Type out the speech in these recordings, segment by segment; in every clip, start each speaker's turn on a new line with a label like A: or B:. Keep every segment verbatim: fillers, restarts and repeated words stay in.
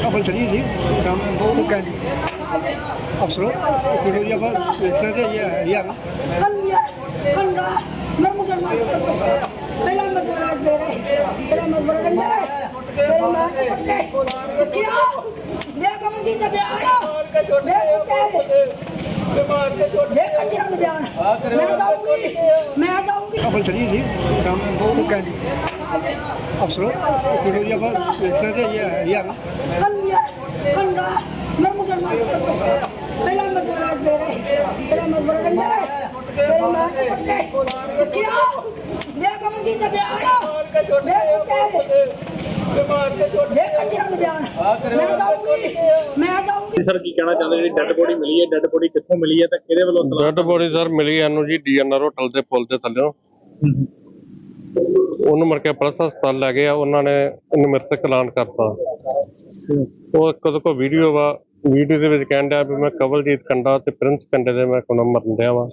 A: ਅਫਲ ਚੜੀ ਸੀ ਕੰਮ ਉਹ ਕਹਿੰਦੀ ਅਫਸਰ ਕਿਹੋ ਜਿਹਾ ਬਸ ਇਤਨਾ ਤੇ ਇਹ ਯਾਰ
B: ਕੰਨਿਆ ਕੰਨਾ ਮੈਂ ਮੁੰਡਾ ਮਾਰ ਪਹਿਲਾਂ ਮਜ਼ਦੂਰ ਦੇ ਰਹੇ ਪਹਿਲਾਂ ਮਜ਼ਦੂਰ ਕਹਿੰਦੇ ਪਹਿਲਾਂ ਮਾਰ ਕੇ ਕਿਆ ਦੇ ਕੰਮ ਦੀ ਤੇ ਬਿਆਨ ਦੇ ਮਾਰ ਕੇ ਜੋੜ ਦੇ ਕੰਜਰਾਂ ਦੇ ਬਿਆਨ ਮੈਂ ਜਾਊਂਗੀ ਮੈਂ ਜਾਊਂਗੀ
A: ਅਫਲ ਚੜੀ ਸੀ ਕੰਮ ਉਹ ਕਹਿੰਦੀ ਅਫਸਰ ਕਿਹੋ ਜਿਹਾ ਬਸ ਇਤਨਾ ਤੇ ਇਹ ਯਾਰ
B: ਕੰਨਿਆ ਕੰਨਾ ਮੈਂ ਮੁੰਡਾ ਮਾਰ ਪਹਿਲਾਂ ਮਜ਼ਦੂਰ ਦੇ ਰਹੇ ਪਹਿਲਾਂ ਮਜ਼ਦੂਰ ਕਹਿੰਦੇ ਪਹਿਲਾਂ ਮਾਰ ਕੇ ਕਿਆ ਦੇ ਕੰਮ ਦੀ ਤੇ ਬਿਆਨ ਦੇ ਮਾਰ ਕੇ ਜੋੜ ਦੇ ਕੰਜਰਾਂ ਦੇ ਬਿਆਨ ਮੈਂ ਜਾਊਂਗੀ ਮੈਂ ਜਾਊਂਗੀ
C: ਸਰ ਕੀ ਕਹਿਣਾ ਚਾਹੁੰਦੇ ਜਿਹੜੀ ਡੈੱਡ ਬੋਡੀ ਮਿਲੀ ਹੈ ਡੈੱਡ ਬੋਡੀ ਕਿੱਥੋਂ ਮਿਲੀ ਹੈ ਤੇ ਕਿਹਦੇ ਵੱਲੋਂ
D: ਡੈੱਡ ਬੋਡੀ ਸਰ ਮਿਲੀ ਇਹਨੂੰ ਜੀ ਡੀਐਨਆਰ ਹੋਟਲ ਦੇ ਪੁਲ ਦੇ ਥੱਲੇ ਉਹਨੂੰ ਮੁੜ ਕੇ ਪੁਲਿਸ ਹਸਪਤਾਲ ਲੈ ਗਏ ਆ ਉਹਨਾਂ ਨੇ ਇਹਨੂੰ ਮ੍ਰਿਤਕ ਐਲਾਨ ਕਰਤਾ ਉਹ ਕਦੋਂ ਕੋ ਵੀਡੀਓ ਵਾ ਵੀਡੀਓ ਦੇ ਵਿੱਚ ਕਹਿਣ ਡਿਆ ਵੀ ਮੈਂ ਕਵਲਜੀਤ ਕੰਡਾ ਤੇ ਪ੍ਰਿੰਸ ਕੰਡੇ ਦੇ ਮੈਂ ਕੋਲ ਮਰਨ ਡਿਆ ਵਾ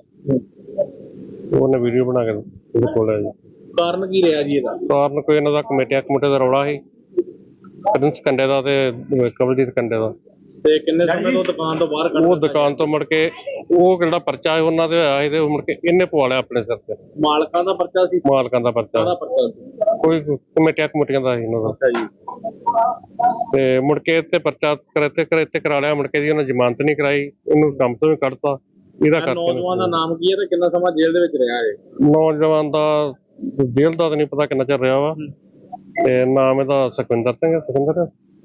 D: ਉਹਨੇ ਵੀਡੀਓ ਬਣਾ ਕੇ ਉਹਦੇ ਕੋਲ ਆ ਜੀ
C: ਕਾਰਨ ਕੀ ਰਿਹਾ ਜੀ ਇਹਦਾ
D: ਕਾਰਨ ਕੋਈ ਇਹਨਾਂ ਦਾ ਕਮੇਟੀਆਂ ਕਮੇਟੇ ਦਾ ਰੌਲਾ ਸੀ ਪ੍ਰਿੰਸ ਕੰਡੇ ਦਾ ਤੇ ਕਵਲਜੀਤ ਕੰਡੇ ਦਾ
C: ਤੇ ਕਿੰਨੇ ਸਮੇਂ ਤੋਂ ਦੁਕਾਨ ਤੋਂ ਬਾਹਰ ਕੱਢ
D: ਉਹ ਦੁਕਾਨ ਤੋਂ ਮੁੜ ਕੇ ਉਹ ਜਿਹੜਾ ਪਰਚਾ ਉਹਨਾਂ ਦੇ ਹੋਇਆ ਸੀ ਤੇ ਮੁੜ ਕੇ ਇਹਨੇ ਪਵਾ ਲਿਆ ਆਪਣੇ ਸਿਰ ਤੇ
C: ਮਾਲਕਾਂ ਦਾ ਪਰਚਾ ਸੀ
D: ਮਾਲਕਾਂ ਦਾ ਪਰਚਾ
C: ਕਾਹਦਾ ਪਰਚਾ ਸੀ
D: ਕੋਈ ਕਮੇਟੀਆਂ ਕਮੇਟੀਆਂ ਦਾ ਸੀ ਇਹਨਾਂ ਦਾ
C: ਅੱਛਾ ਜੀ
D: ਤੇ ਮੁੜ ਕੇ ਇੱਥੇ ਪਰਚਾ ਕਰਤੇ ਕਰਤੇ ਕਰਾ ਲਿਆ ਮੁੜ ਕੇ ਜੀ ਉਹਨਾਂ ਜ਼ਮਾਨਤ ਨਹੀਂ ਕਰਾਈ ਇਹਨੂੰ ਕੰਮ ਤੋਂ ਵੀ ਕੱਢਤਾ ਇਹਦਾ ਕਰਕੇ
C: ਨੌਜਵਾਨ ਦਾ ਨਾਮ ਕੀ ਹੈ ਤੇ ਕਿੰਨਾ ਸਮਾਂ ਜੇਲ੍ਹ ਦੇ ਵਿੱਚ ਰਿਹਾ ਹੈ
D: ਨੌਜਵਾਨ ਦਾ ਜੇਲ੍ਹ ਦਾ ਤਾਂ ਨਹੀਂ ਪਤਾ ਕਿੰਨਾ ਚਿਰ ਰਿਹਾ ਵਾ ਤੇ ਨਾਮ ਇਹਦਾ ਸੁਖਵਿੰਦਰ ਸਿੰਘ ਸੁਖਵਿੰਦਰ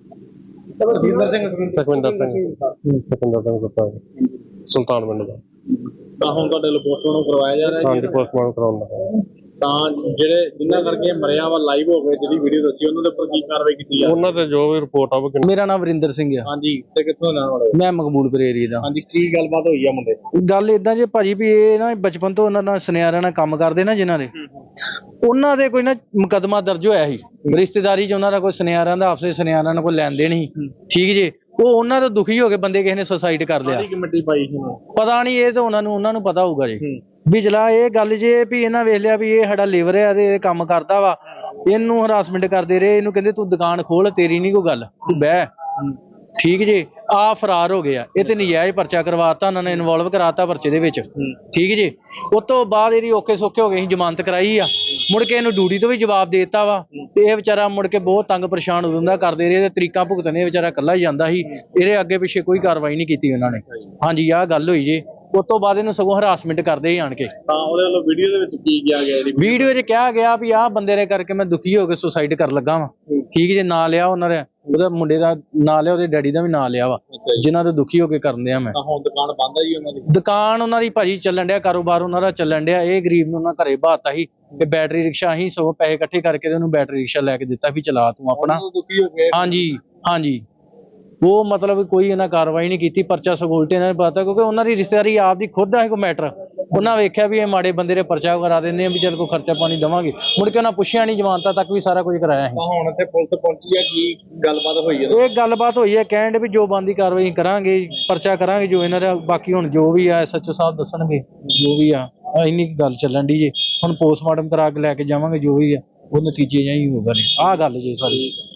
C: ਸੁਖਵਿੰਦਰ ਸਿੰਘ
D: ਸੁਖਵਿੰਦਰ ਸਿੰਘ ਸੁਖਵਿੰਦਰ ਸਿੰਘ ਗੁੱਤਾ ਸੁਲਤਾਨ ਪਿੰਡ ਦਾ
C: ਤਾਂ ਹੁਣ ਤੁਹਾਡੇ ਲਈ ਪੋਸਟਮਾਰਟਮ ਕਰਵਾਇਆ ਜਾ ਰਿਹਾ
D: ਹਾਂਜੀ
C: ਹੈ
D: ਪੋਸਟਮਾਰਟਮ ਕਰਾਉਣ ਦਾ
C: ਤਾਂ ਜਿਹੜੇ ਜਿੰਨਾ ਕਰਕੇ ਮਰਿਆ ਵਾ ਲਾਈਵ ਹੋ ਗਏ ਜਿਹੜੀ ਵੀਡੀਓ ਦੱਸੀ ਉਹਨਾਂ ਦੇ ਉੱਪਰ ਕੀ ਕਾਰਵਾਈ ਕੀਤੀ ਜਾ
D: ਉਹਨਾਂ ਤੇ ਜੋ ਵੀ ਰਿਪੋਰਟ ਆਵੇ
E: ਮੇਰਾ ਨਾਮ ਵਰਿੰਦਰ ਸਿੰਘ ਆ।
C: ਹਾਂਜੀ ਤੇ ਕਿੱਥੋਂ ਨਾਮ ਵਾਲੇ
E: ਮੈਂ ਮਕਬੂਲਪੁਰ ਏਰੀਏ ਦਾ।
C: ਹਾਂਜੀ ਕੀ ਗੱਲਬਾਤ ਹੋਈ ਆ ਮੁੰਡੇ
E: ਗੱਲ ਇਦਾਂ ਜੇ ਭਾਜੀ ਵੀ ਇਹ ਨਾ ਬਚਪਨ ਤੋਂ ਉਹਨਾਂ ਨਾਲ ਸੁਨਿਆਰਿਆਂ ਨਾਲ ਕੰਮ ਕਰਦੇ ਨਾ ਜਿਨ੍ਹਾਂ ਦੇ ਉਹਨਾਂ ਦੇ ਕੋਈ ਨਾ ਮੁਕੱਦਮਾ ਦਰਜ ਹੋਇਆ ਸੀ ਰਿਸ਼ਤੇਦਾਰੀ 'ਚ ਉਹਨਾਂ ਦਾ ਕੋਈ ਸੁਨਿਆਰਿਆਂ ਦਾ ਆਪਸੇ ਸੁਨਿਆਰਿਆਂ ਨਾਲ ਕੋਈ ਲੈਣ ਦੇਣ ਸੀ ਠੀਕ ਜੇ ਉਹ ਉਹਨਾਂ ਤੋਂ ਦੁਖੀ ਹੋ ਕੇ ਬੰਦੇ ਕਿਸੇ ਨੇ ਸੁਸਾਈਡ ਕਰ ਲਿਆ
C: ਕਮੇਟੀ ਪਾਈ ਸੀ
E: ਪਤਾ ਨਹੀਂ ਇਹ ਤਾਂ ਉਹਨਾਂ ਨੂੰ ਉਹਨਾਂ ਨੂੰ ਪਤਾ ਹੋਊਗਾ ਜੀ ਬਿਜਲਾ ਇਹ ਗੱਲ ਜੇ ਵੀ ਇਹਨਾਂ ਵੇਖ ਲਿਆ ਵੀ ਇਹ ਸਾਡਾ ਲੇਬਰ ਹੈ ਤੇ ਇਹ ਕੰਮ ਕਰਦਾ ਵਾ ਇਹਨੂੰ ਹਰਾਸਮੈਂਟ ਕਰਦੇ ਰਹੇ ਇਹਨੂੰ ਕਹਿੰਦੇ ਤੂੰ ਦੁਕਾਨ ਖੋਲ ਤੇਰੀ ਨਹੀਂ ਕੋਈ ਗੱਲ ਤੂੰ ਬਹਿ ਠੀਕ ਜੇ ਆ ਫਰਾਰ ਹੋ ਗਿਆ ਇਹ ਤੇ ਨਜਾਇਜ਼ ਪਰਚਾ ਕਰਵਾਤਾ ਉਹਨਾਂ ਨੇ ਇਨਵੋਲਵ ਕਰਾਤਾ ਪਰਚੇ ਦੇ ਵਿੱਚ ਠੀਕ ਜੇ ਉਸ ਤੋਂ ਬਾਅਦ ਇਹਦੀ ਔਕੇ ਸੌਖੇ ਹੋ ਗਏ ਸੀ ਜ਼ਮਾਨਤ ਕਰਾਈ ਆ ਮੁੜ ਕੇ ਇਹਨੂੰ ਡਿਊਟੀ ਤੋਂ ਵੀ ਜਵਾਬ ਦੇ ਦਿੱਤਾ ਵਾ ਤੇ ਇਹ ਵਿਚਾਰਾ ਮੁੜ ਕੇ ਬਹੁਤ ਤੰਗ ਪਰੇਸ਼ਾਨ ਉਦੋਂ ਦਾ ਕਰਦੇ ਰਹੇ ਤੇ ਤਰੀਕਾਂ ਭੁਗਤਣੇ ਵਿਚਾਰਾ ਇਕੱਲਾ ਹੀ ਜਾਂਦਾ ਸੀ ਇਹਦੇ ਅੱਗੇ ਪਿੱਛੇ ਕੋਈ ਕਾਰਵਾਈ ਨਹੀਂ ਕੀਤੀ ਉਹਨਾਂ ਨੇ ਹਾਂਜੀ ਆਹ ਗੱਲ ਹੋਈ ਜੇ ਉਸ ਤੋਂ ਬਾਅਦ ਇਹਨੂੰ ਸਗੋਂ ਹਰਾਸਮੈਂਟ ਕਰਦੇ ਹੀ ਆਣ ਕੇ
C: ਤਾਂ ਉਹਦੇ ਵੱਲੋਂ ਵੀਡੀਓ ਦੇ ਵਿੱਚ ਕੀ ਕਿਹਾ ਗਿਆ ਇਹਦੀ
E: ਵੀਡੀਓ 'ਚ ਕਿਹਾ ਗਿਆ ਵੀ ਆਹ ਬੰਦੇ ਦੇ ਕਰਕੇ ਮੈਂ ਦੁਖੀ ਹੋ ਕੇ ਸੁਸਾਈਡ ਕਰਨ ਲੱਗਾ ਵਾਂ ਠੀਕ ਜੇ ਨਾਂ ਲਿਆ ਉਹਨਾਂ ਦੇ ਉਹਦਾ ਮੁੰਡੇ ਦਾ ਨਾਂ ਲਿਆ ਉਹਦੇ ਡੈਡੀ ਦਾ ਵੀ ਨਾਂ ਲਿਆ ਵਾ ਜਿਨ੍ਹਾਂ ਤੋਂ ਦੁਖੀ ਹੋ ਕੇ ਕਰਦੇ ਆ ਮੈਂ
C: ਤਾਂ ਹੁਣ ਦੁਕਾਨ ਬੰਦ ਹੈ ਜੀ ਉਹਨਾਂ ਦੀ
E: ਦੁਕਾਨ ਉਹਨਾਂ ਦੀ ਭਾਜੀ ਚੱਲਣ ਡਿਆ ਕਾਰੋਬਾਰ ਉਹਨਾਂ ਦਾ ਚੱਲਣ ਡਿਆ ਇਹ ਗਰੀਬ ਨੂੰ ਉਹਨਾਂ ਘਰੇ ਬਾਤਾ ਸੀ ਤੇ ਬੈਟਰੀ ਰਿਕਸ਼ਾ ਹੀ ਸਗੋਂ ਪੈਸੇ ਇਕੱਠੇ ਕਰਕੇ ਤੇ ਉਹਨੂੰ ਬੈਟਰੀ ਰਿਕਸ਼ਾ ਲੈ ਕੇ ਦਿੱਤਾ ਵੀ ਚਲਾ ਤੂੰ ਆਪਣਾ
C: ਦੁਖੀ ਹੋ ਗਏ
E: ਹਾਂਜੀ ਹਾਂਜੀ ਉਹ ਮਤਲਬ ਕੋਈ ਇਹਨਾਂ ਕਾਰਵਾਈ ਨਹੀਂ ਕੀਤੀ ਪਰਚਾ ਸਗੋਲਟੇ ਇਹਨਾਂ ਨੇ ਪਤਾ ਕਿਉਂਕਿ ਉਹਨਾਂ ਦੀ ਰਿਸ਼ਤੇਦਾਰੀ ਆਪ ਦੀ ਖੁਦ ਦਾ ਕੋਈ ਮੈਟਰ ਉਹਨਾਂ ਵੇਖਿਆ ਵੀ ਇਹ ਮਾੜੇ ਬੰਦੇ ਦੇ ਪਰਚਾ ਕਰਾ ਦਿੰਦੇ ਆ ਵੀ ਚੱਲ ਕੋਈ ਖਰਚਾ ਪਾਣੀ ਦੇਵਾਂਗੇ ਮੁੜ ਕੇ ਉਹਨਾਂ ਪੁੱਛਿਆ ਨਹੀਂ ਜ਼ਮਾਨਤਾਂ ਤੱਕ ਵੀ ਸਾਰਾ ਕੁਝ ਕਰਾਇਆ ਸੀ
C: ਤਾਂ ਹੁਣ ਇੱਥੇ ਪੁਲਿਸ ਪਹੁੰਚੀ ਆ ਕੀ ਗੱਲਬਾਤ ਹੋਈ ਹੈ
E: ਇਹ ਗੱਲਬਾਤ ਹੋਈ ਹੈ ਕਹਿਣ ਦੇ ਵੀ ਜੋ ਬੰਦੀ ਕਾਰਵਾਈ ਕਰਾਂਗੇ ਪਰਚਾ ਕਰਾਂਗੇ ਜੋ ਇਹਨਾਂ ਦਾ ਬਾਕੀ ਹੁਣ ਜੋ ਵੀ ਆ ਐਸਐਚਓ ਸਾਹਿਬ ਦੱਸਣਗੇ ਜੋ ਵੀ ਆ ਇੰਨੀ ਗੱਲ ਚੱਲਣ ਦੀ ਜੇ ਹੁਣ ਪੋਸਟਮਾਰਟਮ ਕਰਾ ਕੇ ਲੈ ਕੇ ਜਾਵਾਂਗੇ ਜੋ ਵੀ ਆ ਉਹ ਨਤੀਜੇ ਜਾਂ ਹੀ ਹੋਊਗਾ ਆਹ ਗੱਲ ਜੇ ਸਾਰੀ